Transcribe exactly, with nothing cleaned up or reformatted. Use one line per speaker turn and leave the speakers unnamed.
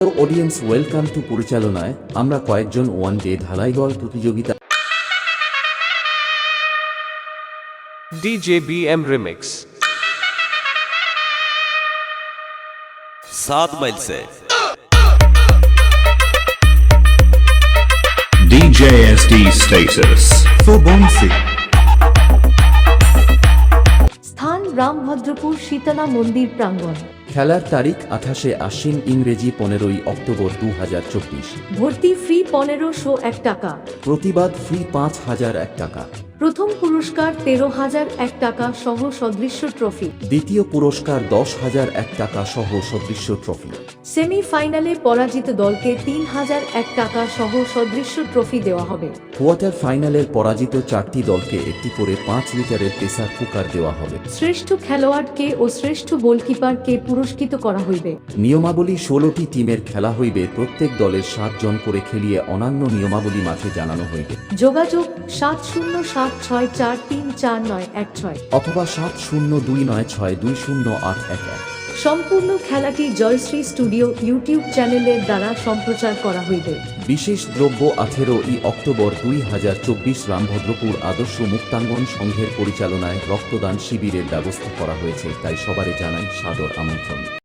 Audience welcome to পরিচালনায় আমরা কয়েকজন ওয়ান ডে ঢালাই বল প্রতিযোগিতা
D J B M Remix
सात माइल से
D J S D status for Bonsi.
স্থান রামভদ্রপুর শীতলা মন্দির প্রাঙ্গণ।
খেলার তারিখ আঠাশে আশ্বিন ইংরেজি পনেরোই অক্টোবর দু হাজার চব্বিশ।
ভর্তি ফ্রি পনেরোশো এক টাকা।
প্রতিবাদ ফ্রি পাঁচ হাজার এক টাকা।
প্রথম পুরস্কার তেরো হাজার এক টাকা সহ সদৃশ্য ট্রফি।
দ্বিতীয় পুরস্কার দশ হাজার এক টাকা সহ সদৃশ্য ট্রফি।
সেমিফাইনালে পরাজিত দলকে তিন হাজার এক টাকা সহ সদৃশ্য ট্রফি দেওয়া হবে।
কোয়ার্টার ফাইনালের পরাজিত চারটি দলকে একটি করে পাঁচ লিটারের প্রেসার কুকার দেওয়া হবে।
শ্রেষ্ঠ খেলোয়াড়কে ও শ্রেষ্ঠ গোলকিপারকে পুরস্কৃত করা হইবে।
নিয়মাবলী ষোলোটি টিমের খেলা হইবে, প্রত্যেক দলের সাত জন করে খেলিয়ে অন্যান্য নিয়মাবলী মাঠে জানানো হইবে।
যোগাযোগ সাত শূন্য সাত ছয় চার তিন চার নয় এক ছয়
অথবা সাত শূন্য দুই নয় ছয় দুই শূন্য আট এক এক।
সম্পূর্ণ খেলাটি জয়শ্রী স্টুডিও ইউটিউব চ্যানেলের দ্বারা সম্প্রচার করা হইবে।
বিশেষ দ্রব্য আঠেরো ই অক্টোবর দুই হাজার চব্বিশ রামভদ্রপুর আদর্শ মুক্তাঙ্গন সংঘের পরিচালনায় রক্তদান শিবিরের ব্যবস্থা করা হয়েছে, তাই সবারে জানাই সাদর আমন্ত্রণ।